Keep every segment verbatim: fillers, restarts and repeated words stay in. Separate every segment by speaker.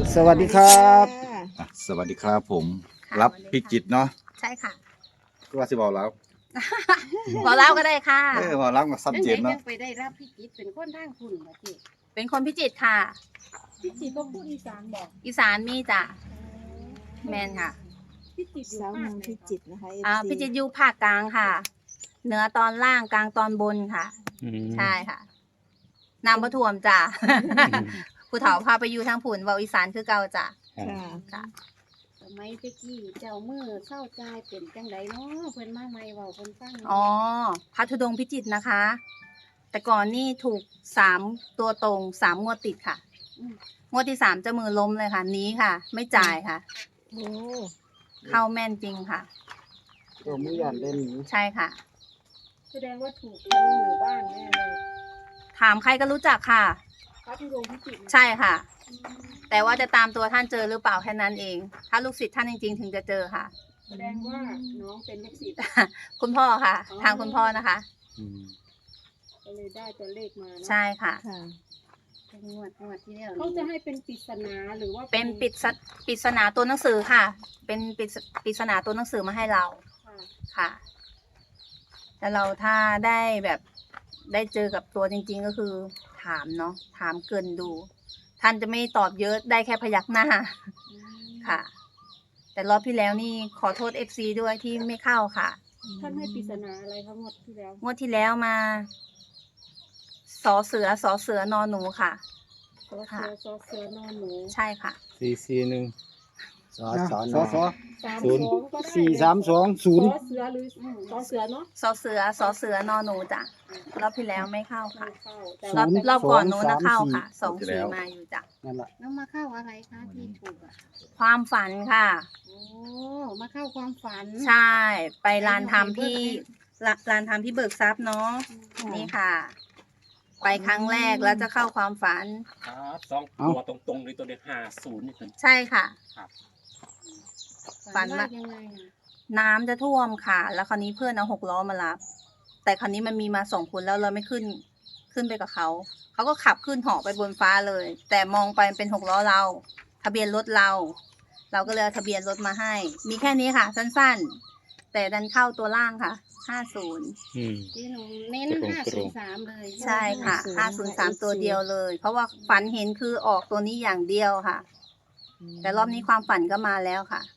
Speaker 1: สวัสดีครับ
Speaker 2: อ่ะสวัสดีครับผม
Speaker 3: ค่ะ
Speaker 2: รับ
Speaker 3: สวัสดีค่ะ
Speaker 2: พิจิตรเนาะ
Speaker 3: ใช่ค่ะ
Speaker 2: ก็ว่าสิบอกแล้ว
Speaker 3: บอกเล่าก็ได้ค่ะ
Speaker 2: เออบอกรับมาซับ
Speaker 4: นั่น
Speaker 2: เจ
Speaker 4: ไง
Speaker 2: นเนาะ
Speaker 4: ยังไปได้รับพิจิตรเป็นคนทางคุณมาจิ
Speaker 3: เป็นคนพิจิตรค่ะ
Speaker 4: พิจิตรก็พูดอีสานบอก
Speaker 3: อีสานมีจ้ะแมนค่ะ
Speaker 4: พิจิตรอยู่
Speaker 5: สาว
Speaker 4: ภา
Speaker 5: เมื
Speaker 4: ค
Speaker 5: อง
Speaker 4: ไหน
Speaker 5: พิ
Speaker 4: คะ
Speaker 5: จิตรนะคะ
Speaker 3: อ่า
Speaker 5: เอฟซี
Speaker 3: พิจิตรอยู่ภาคกลางค่ะเหนือตอนล่างกลางตอนบนค่ะ
Speaker 1: อืม
Speaker 3: ใช่ค่ะนำพระถ่วมจ้ะ ผู้เฒ่าพาไปอยู่ทางผุนเวาอีสานคือเก่าจ้ะ
Speaker 5: ค่ะ
Speaker 3: ค่ะ
Speaker 4: สมัยตะกี้เจ้ามือเศร้าใจายเป็นจังไดเนาะเพิ่นมาใหม่เว้าเพิ่นฟังหน่ย
Speaker 3: อ๋อพัทธุดงค์พิจิตรนะคะ แต่ก่อนนี่ถูกสามตัวตรงสามงวดติดค่ะ
Speaker 4: ม
Speaker 3: งวดที่สามจะมือล้มเลยค่ะหนี้ค่ะ ไม่จ่ายค่ะ
Speaker 5: โอ้
Speaker 3: เข้าแม่นจริงค่ะ
Speaker 1: ตัวมือหยันเล่นนี้
Speaker 3: ใช่ค่ะ
Speaker 4: แสดงว่าถูกทั้งหมู่บ้านแน่เลย
Speaker 3: ถามใครก็รู้จักค่ะ
Speaker 4: พระธุดงค์พิจิตรนะ
Speaker 3: ใช่ค่ะ แต่ว่าจะตามตัวท่านเจอหรือเปล่าแค่นั้นเอง ถ้าลูกศิษย์ท่านจริงๆ ถึงจะเจอค่ะ
Speaker 4: แสดงว่าน้องเป็นลูกศิษย์
Speaker 3: คุณพ่อค่ะ
Speaker 4: อ๋อ
Speaker 3: ทางคุณพ่อนะคะ
Speaker 1: อืม
Speaker 4: ก็เลยได้ตัวเลขมาเนาะ
Speaker 3: ใช่ค่ะ
Speaker 5: ค่ะ
Speaker 4: เป็นงวดงวดที่แล้วเขาจะให้เป็นปริศนาหรือว่า
Speaker 3: เป็นปริศปริศนาตัวหนังสือค่ะ เป็นปริศปริศนาตัวหนังสือมาให้เรา
Speaker 4: ค่ะ
Speaker 3: ค่ะ แต่เราถ้าได้แบบได้เจอกับตัวจริง ๆ ก็คือถามเนาะ ถามเกินดู ท่านจะไม่ตอบเยอะได้แค่พยักหน้า
Speaker 4: อืม
Speaker 3: ค่ะ แต่รอบที่แล้วนี่ขอโทษ เอฟ ซี ด้วยที่ไม่เข้าค่ะ
Speaker 4: ท่านให้ปริศนาอะไรครับงวดที่แล้ว
Speaker 3: งวดที่แล้วมาสอเสือสอเสือนอนหนูค่ะ
Speaker 4: ซอเสือซอเสือนอนหนู
Speaker 3: ใช่ค่ะ
Speaker 1: สี่สี่หนึ่งสอสอ
Speaker 2: สอสอ
Speaker 4: สาม
Speaker 1: ศูนย์
Speaker 4: สองก็ได้
Speaker 1: สี่สามสองศูนย์
Speaker 4: ซอเสือหรือซอเสือเนาะ
Speaker 3: สอเสือสอเสือนอนหนูจ้ะรอบที่แล้วไม่เข้า
Speaker 4: ไม่
Speaker 3: ค่ะ
Speaker 4: เข้าแต่
Speaker 3: รอบ
Speaker 4: ว่า
Speaker 3: รอบก่อนโน้นนะเข้าค่ะสองสี่มาอยู่จ้ะ
Speaker 1: นั่นแหละ
Speaker 4: แล้วมาเข้าอะไรคะที่ถูกอ่ะ
Speaker 3: ความฝันค่ะ
Speaker 4: โอ้มาเข้าความฝัน
Speaker 3: ใช่ ไปลานทำพี่ลาลานทำพี่เบิกทรัพย์เนาะนี่ค่ะ ไปครั้งแรกแล้วจะเข้าความฝัน
Speaker 6: ครับสองตัวตรงๆเลยตัวเดียวห้าศูนย์นี่เป็น
Speaker 3: ใช่ค่ะ
Speaker 6: ครับ
Speaker 3: ฝัน
Speaker 4: ว่า
Speaker 3: ว่า
Speaker 4: ยังไงอ่ะ
Speaker 3: น้ำจะท่วมค่ะ แล้วคราวนี้เพื่อนเอาหกล้อมารับ แต่คราวนี้มันมีมาสองคนแล้วเราไม่ขึ้น ขึ้นไปกับเขา เขาก็ขับขึ้นเหาะไปบนฟ้าเลย แต่มองไปเป็นหกล้อเรา ทะเบียนรถเรา เราก็เลยเอาทะเบียนรถมาให้ มีแค่นี้ค่ะ สั้นๆ แต่ดันเข้าตัวล่างค่ะ ห้าศูนย์
Speaker 1: อืม
Speaker 4: ที่หนูเน้น
Speaker 1: ตรงๆ
Speaker 4: ห้าศูนย์สามเลย
Speaker 3: ใช่ค่ะ ห้าศูนย์สามตัวเดียวเลย เพราะว่าฝันเห็นคือออกตัวนี้อย่างเดียวค่ะ แต่รอบนี้ความฝันก็มาแล้วค่ะ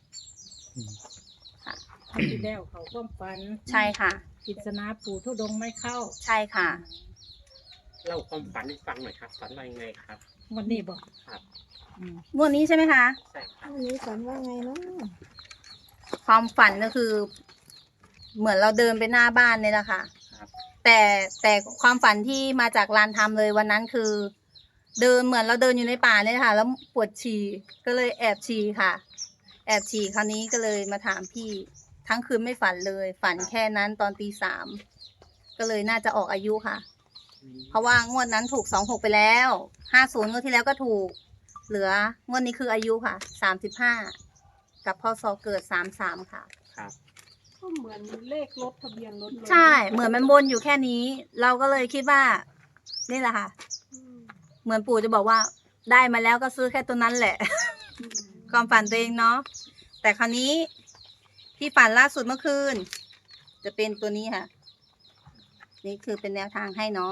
Speaker 7: ที่แล้วเขาความฝัน
Speaker 3: ใช่ค่ะ
Speaker 7: กิจนาปู่ทุดงค์ไม่เข้า
Speaker 3: ใช่ค่ะ
Speaker 6: เล่าความฝันให้ฟังหน่อยครับ ฝันว่ายังไงครับ
Speaker 7: วันนี้บอก
Speaker 6: ครับ
Speaker 3: งวดนี้ใช่ไหมคะ
Speaker 6: ใช่ครับ
Speaker 5: วันนี้ฝันว่าไงเนาะ
Speaker 3: ความฝันก็คือ เหมือนเราเดินไปหน้าบ้านนี่แหละค่ะ
Speaker 6: ครับ
Speaker 3: แต่แต่ความฝันที่มาจากลานทำเลยวันนั้นคือ เดินเหมือนเราเดินอยู่ในป่าเนี่ยค่ะ แล้วปวดฉี่ก็เลยแอบฉี่ค่ะ แอบฉี่คราวนี้ก็เลยมาถามพี่ ทั้งคืนไม่ฝันเลย ฝันแค่นั้นตอนตีสามก็เลยน่าจะออกอายุค่ะ เพราะว่างวดนั้นถูกสองหกไปแล้วห้าศูนย์งวดที่แล้วก็ถูก เหลืองวดนี้คืออายุค่ะสามสิบห้ากับพศเกิดสามสามค่ะ
Speaker 6: ครับ
Speaker 4: ก็เหมือนเลขรถทะเบียนรถเลย
Speaker 3: ใช่เหมือนมันวนอยู่แค่นี้ เราก็เลยคิดว่า นี่แหละค่ะ
Speaker 4: อืม
Speaker 3: เหมือนปู่จะบอกว่าได้มาแล้วก็ซื้อแค่ตัวนั้นแหละ
Speaker 4: อืม
Speaker 3: ความฝันตัวเองเนาะแต่คราวนี้ที่ฝันล่าสุดเมื่อคืน จะเป็นตัวนี้ค่ะ นี่คือเป็นแนวทางให้เนาะ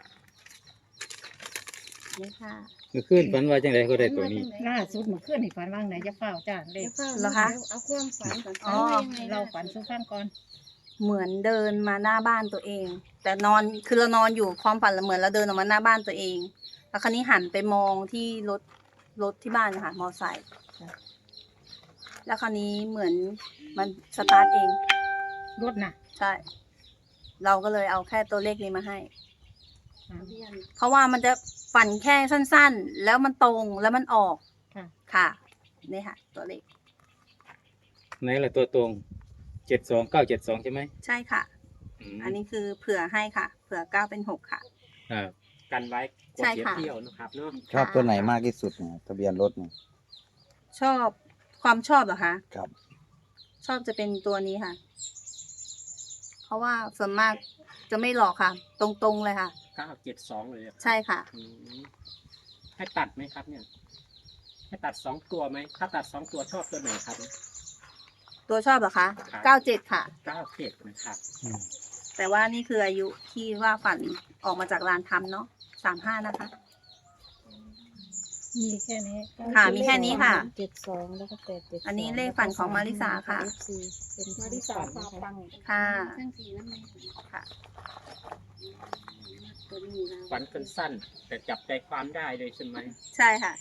Speaker 3: นี่ค่ะ
Speaker 1: เมื่อคืนฝันว่าจังไดก็ได้ตัวนี้
Speaker 7: ล่าสุดเมื่อคืนนี่ฝันว่างไหนจะเฝ้าจ้าเล
Speaker 4: เดี๋
Speaker 7: ข
Speaker 4: ยวเฝ้า
Speaker 3: เหรอคะ
Speaker 4: ดี๋ยวเอาความฝันก่อน
Speaker 3: อ๋อ
Speaker 4: ฝันว่ายังไง
Speaker 7: เราฝันสู้ข้างก่อน
Speaker 3: เหมือนเดินมาหน้าบ้านตัวเอง แต่นอนคือเรานอนอยู่ความฝันเราเหมือนเราเดินออกมาหน้าบ้านตัวเอง แล้วคราวนี้หันไปมองที่รถรถที่บ้านนะคะมอไซค์แล้วคราวนี้เหมือนมันสตาร์ทเอง
Speaker 7: รถน่ะ
Speaker 3: ใช่ เราก็เลยเอาแค่ตัวเลขนี้มาให้
Speaker 7: อ่า
Speaker 4: ทะเบียน
Speaker 3: เพราะว่ามันจะฝันแค่สั้นๆ แล้วมันตรงแล้วมันออก
Speaker 7: ค่ะ
Speaker 3: ค่ะ นี่ค่ะ ตัวเลข
Speaker 1: ไหนล่ะตัวตรงเจ็ดสองเก้าเจ็ดสองใช่ไหม
Speaker 3: ใช่ค่ะ
Speaker 1: ม
Speaker 3: อันนี้คือเผื่อให้ค่ะ เผื่อเก้าเป็นหกค่ะ
Speaker 1: ครับ
Speaker 6: กันไว้กลัว
Speaker 3: ใช่
Speaker 6: เสีย
Speaker 3: ค่ะ
Speaker 6: เที่ยวนะครับเนาะ
Speaker 1: ชอบตัวไหนมากที่สุดเนี่ยทะเบียนรถเนี่ย
Speaker 3: ชอบความชอบเหรอคะ
Speaker 1: ครับ
Speaker 3: ชอบจะเป็นตัวนี้ค่ะ เพราะว่าส่วนมากจะไม่หลอกค่ะ ตรงๆเลยค่ะ
Speaker 6: เก้าเจ็ดสองเลยอะ
Speaker 3: ใช่ค่ะ
Speaker 6: อืมให้ตัดไหมครับเนี่ยให้ตัดสองตัวไหมถ้าตัดสองตัวชอบตัวไหนครับ
Speaker 3: ตัวชอบเหรอคะ
Speaker 6: ครับ
Speaker 3: เก้าเจ็ดค่ะ
Speaker 6: เก้าเจ็ดนะครับ
Speaker 1: อืม
Speaker 3: แต่ว่านี่คืออายุที่ว่าฝันออกมาจากลานทำเนาะสามห้านะคะ
Speaker 7: มีแค่นี้
Speaker 3: ค่ะมีแค่นี้ค่ะ
Speaker 5: เจ็ดสองแล้วก็แปดเจ็ด
Speaker 3: อันนี้เลขฝันของมาริสาค่ะ
Speaker 5: เป็น
Speaker 4: มาริสาพาปัง
Speaker 3: ค่ะ
Speaker 4: ทั้งสี่นั่นเอง
Speaker 3: ค่ะ
Speaker 4: ตัวนี้นะ
Speaker 6: ฝันสั้นๆแต่จับใจความได้เลยใช่ไหม
Speaker 3: ใช่ค่ะ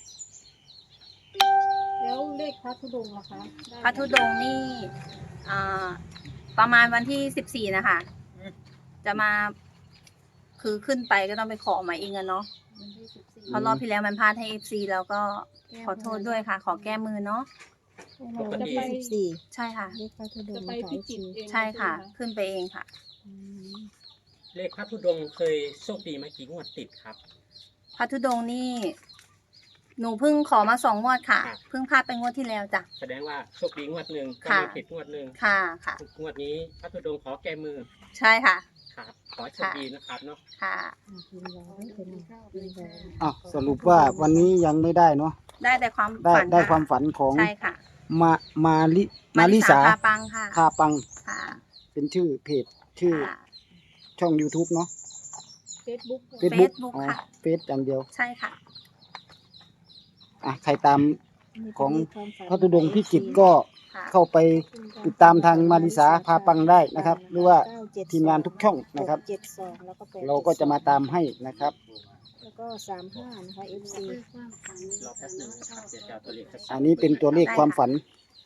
Speaker 4: แล้วเลขพระธุดงค์ล่ะคะได้ไหม
Speaker 3: พระธุดงค์นี่อ่าประมาณวันที่สิบสี่นะคะ จะมา คือขึ้นไปก็ต้องไปขอหมายเองอะเนาะ
Speaker 4: วันที่สิบสี่
Speaker 3: เพราะรอบที่แล้วมันพลาดให้เอฟซีแล้วก็ขอโทษด้วยค่ะ ขอแก้มือเนาะ
Speaker 5: จะไปสิบสี่
Speaker 3: ใช่ค่ะ
Speaker 5: เลขพระธุด
Speaker 4: จะ
Speaker 5: งค์
Speaker 4: ไป
Speaker 5: นะคะ
Speaker 4: พิจิตรเอง
Speaker 3: ใช่ค่ะ
Speaker 4: ไหม
Speaker 3: ขึ้นไปเองค่ะ
Speaker 5: อืม
Speaker 6: เลขพระธุดงค์เคยโชคดีมากี่งวดติดครับ
Speaker 3: พระธุดงค์นี่ หนูเพิ่งขอมาสองงวดค่ะ
Speaker 6: ครับ
Speaker 3: เพิ่งพลาดไปงวดที่แล้วจ้ะ
Speaker 6: แสดงว่าโชคดีงวดหนึ่งก็
Speaker 3: ค่ะ
Speaker 6: มีผิดงวดหนึ่ง
Speaker 3: ค่ะค่ะ
Speaker 6: งวดนี้พระธุดงค์ขอแก้มือ
Speaker 3: ใช่ค่ะ
Speaker 6: ครับขอให้โชคดีนะครับเนาะ
Speaker 3: ค่ะ
Speaker 5: อ่ะพิมพ์รอไว้เป็นพิมพ์รอ
Speaker 8: อ่ะสรุปว่าวันนี้ยังไม่ได้เนาะ
Speaker 3: ได้แต่ความ
Speaker 8: ได้
Speaker 3: ฝัน
Speaker 8: ได้
Speaker 3: ค่ะ
Speaker 8: ความฝันของ
Speaker 3: ใช่ค่ะ
Speaker 8: มามาลิมาลิสา
Speaker 3: พาปังค่ะ
Speaker 8: คาปัง
Speaker 3: ค่ะ
Speaker 8: เป็นชื่อเพจชื่อ
Speaker 3: ค่ะ
Speaker 8: ช่อง YouTube เนาะ
Speaker 4: เฟซบุ๊ก
Speaker 8: Facebook
Speaker 3: Facebook
Speaker 8: อ๋อ
Speaker 3: ค่ะ
Speaker 8: เฟซอย่างเดียว
Speaker 3: ใช่ค่ะ
Speaker 8: อ่ะใครตาม
Speaker 5: นี่
Speaker 8: ของ
Speaker 5: เป็นเลขความฝัน
Speaker 8: พระธุดงค์พิจิตรก็
Speaker 3: ค่ะ
Speaker 8: เข้าไปติดตามทางมาริสาพาปังได้นะครับ หรือว่า
Speaker 5: เก้เจ็ด
Speaker 8: ทีมงานทุกช่องนะครับ
Speaker 5: เจ็ดสองแล้วก็แปด
Speaker 8: เราก็จะมาตามให้นะครับ
Speaker 5: แล้วก็สามห้านะคะ เอฟซี
Speaker 4: ความฝัน
Speaker 6: รอแป๊บหนึงนะครับเดี๋ยวจะเอาตัวเลขชัดๆ
Speaker 8: อันนี้เป็นตัวเลขความฝัน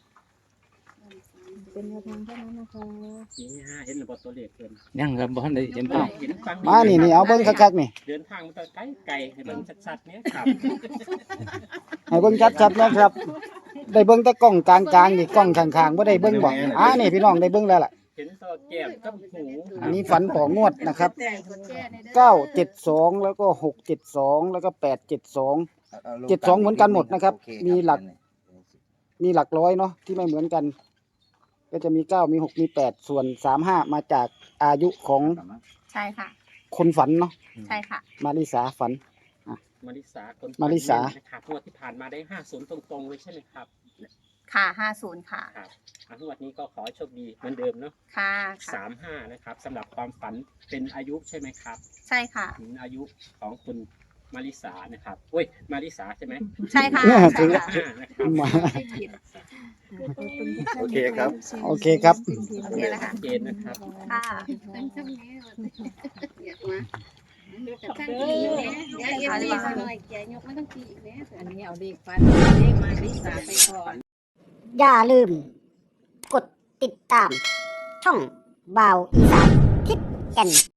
Speaker 5: เป็นแนวทางเท่านั้นนะคะ
Speaker 6: นี่ฮะเห็นหรือเปล่าตัวเลขเพิ่น
Speaker 1: ยังครับบ้านได้เห็น
Speaker 6: อ้า
Speaker 1: ภาว พ
Speaker 6: เห็นฟังดี
Speaker 8: มานี่นี่เอาเบิ้งคักๆนี่
Speaker 6: เดินทางมาตั้งไกลไกลให้เบิ่งชัดๆเนี้ยครับ
Speaker 8: ให้เบิ้งชัดๆนะครับ ได้เบิ้งแต่กล้องกลางๆนี่กล้องข้างๆบ่ได้เบิ้งบ่อ่านี่พี่น้องได้เบิ้งแล้วล่ะ
Speaker 6: เห็นตัวแก้มกับหู
Speaker 8: อันนี้ฝันของงวดนะครับ
Speaker 4: แต่กดแชร์ในด้อ
Speaker 8: เก้าเจ็ดสองแล้วก็หกเจ็ดสองแล้วก็แปดเจ็ดสองเจ็ดสองเหมือนกันหมดนะครับ มีหลักมีหลักร้อยเนาะที่ไม่เหมือนกัน ก็จะมีเก้ามีหกมีแปดส่วนสามห้ามาจากอายุของ
Speaker 3: ใช่ค่ะ
Speaker 8: คนฝันเนาะ
Speaker 3: ใช่ค่ะ
Speaker 8: มาริสาฝัน
Speaker 6: มาริสาคน
Speaker 8: มาริสา
Speaker 6: นะครับงวดที่ผ่านมาได้ห้าศูนย์ตรงๆเลยใช่ไหมครับ
Speaker 3: ค่ะห้าศูนย์ค่ะ
Speaker 6: ครับอ่ะงวดนี้ก็ขอให้โชคดีเหมือนเดิมเนาะ
Speaker 3: ค่ะค่ะ
Speaker 6: สามห้านะครับสำหรับความฝันเป็นอายุใช่ไหมครับ
Speaker 3: ใช่ค่ะ
Speaker 6: ถึงอายุของคุณมาริสานะครับโอ้ยมาริสาใช่ไหม
Speaker 3: ใช่ค่ะ
Speaker 8: เนี่ย
Speaker 3: ใช่ค่ะ
Speaker 6: ห้านะครับ
Speaker 8: มา
Speaker 5: ขอบคุณทุกท่าน
Speaker 2: โอเคครับ
Speaker 8: โอเคครับ
Speaker 3: โอเคแล้วค่ะ
Speaker 6: เกณฑ์นะครับ
Speaker 3: ค่ะ
Speaker 4: ตั้งช่องนี้อยากมาตั้งตีอยู่เนี่ยเดี๋ยวเอฟซีมาหน่อยแกยกไม่ต้องตีอีกแล้ว
Speaker 7: อันนี้เอาเลขฟันเลขมาริสาไปก่อน
Speaker 9: อย่าลืม กดติดตาม ช่องบ่าวอีสานทิศแก่น